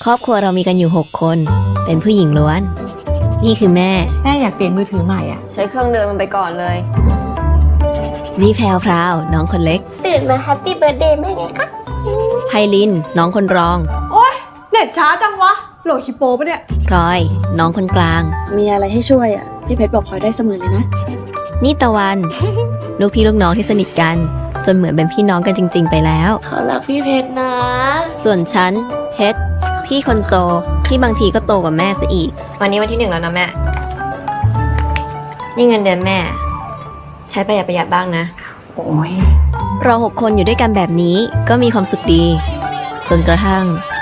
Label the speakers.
Speaker 1: ครอบครัวเรามีกันอยู่6 คนเป็นผู้หญิงล้วนนี่คือแม่
Speaker 2: อยากเปลี่ยนมือถือใหม่อ่ะ
Speaker 3: ใช้เครื่องเดิมมันไปก่อนเลย
Speaker 1: นี่แพรวพราวน้องคนเล็ก
Speaker 4: ตื่นมาแฮปปี้เบิร์ดเดย์แม่ไงคะ
Speaker 1: ไพลินน้องคนรอง
Speaker 2: เน็ตช้าจังวะโหลดฮิปโปปะเนี่ย
Speaker 1: พลอยน้องคนกลาง
Speaker 5: มีอะไรให้ช่วยอ่ะพี่เพชรบอกพลอยได้เสมอเลยนะ
Speaker 1: นี่ตะวัน ลูกพี่ลูกน้องที่สนิทกันจนเหมือนเป็นพี่น้องกันจริงๆไปแล้ว
Speaker 4: เขารักพี่เพชรนะ
Speaker 1: ส่วนฉันเพชรพี่คนโตที่บางทีก็โตกว่าแม่ซะอีก
Speaker 3: วันนี้วันที่ 1แล้วนะแม่ นี่เงินเดือนแม่ ใช้ประหยัดบ้างนะ
Speaker 2: โอ้ย
Speaker 1: เรา6 คนอยู่ด้วยกันแบบนี้ก็มีความสุขดี จนกระทั่ง